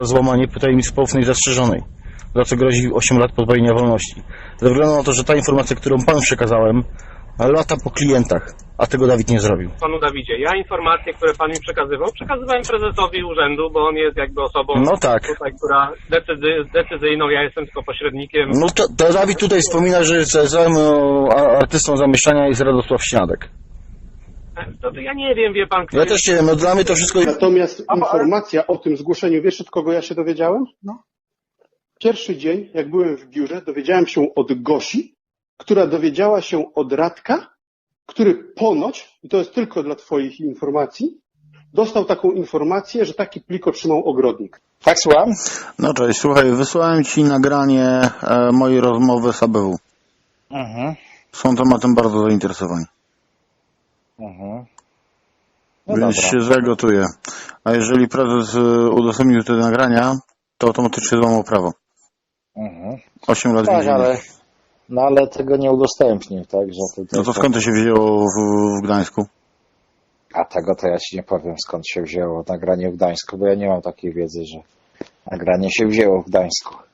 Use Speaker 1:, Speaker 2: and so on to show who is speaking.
Speaker 1: złamanie tajemnicy poufnej zastrzeżonej, za co grozi 8 lat pozbawienia wolności. Ze względu na to, że ta informacja, którą panu przekazałem, lata po klientach, a tego Dawid nie zrobił.
Speaker 2: Panu Dawidzie, ja informacje, które pan mi przekazywałem prezesowi urzędu, bo on jest jakby osobą
Speaker 1: No tak.
Speaker 2: tutaj, która decyzyjną, ja jestem tylko pośrednikiem.
Speaker 1: No to Dawid tutaj wspomina, że całym artystą zamieszczania jest Radosław Śniadek.
Speaker 2: To ja nie wiem, wie pan, kto
Speaker 1: Ja też nie wiem, no dla mnie to wszystko...
Speaker 3: Natomiast informacja o tym zgłoszeniu, wiesz od kogo ja się dowiedziałem?
Speaker 4: No.
Speaker 3: Pierwszy dzień, jak byłem w biurze, dowiedziałem się od Gosi, która dowiedziała się od Radka, który ponoć, i to jest tylko dla twoich informacji, dostał taką informację, że taki plik otrzymał ogrodnik.
Speaker 4: Tak, słucham?
Speaker 1: No cześć, słuchaj, wysłałem ci nagranie mojej rozmowy z ABW.
Speaker 4: Mhm.
Speaker 1: Są tematem bardzo zainteresowani.
Speaker 4: Mhm. No
Speaker 1: Więc
Speaker 4: dobra.
Speaker 1: się zagotuję. A jeżeli prezes udostępnił te nagrania, to automatycznie złamał prawo.
Speaker 4: Mhm.
Speaker 1: 8 lat
Speaker 4: Tak,
Speaker 1: więzienia.
Speaker 4: ale tego nie udostępnił, tak? Że
Speaker 1: No to skąd to się wzięło w Gdańsku?
Speaker 4: A tego to ja ci nie powiem, skąd się wzięło nagranie w Gdańsku, bo ja nie mam takiej wiedzy, że nagranie się wzięło w Gdańsku.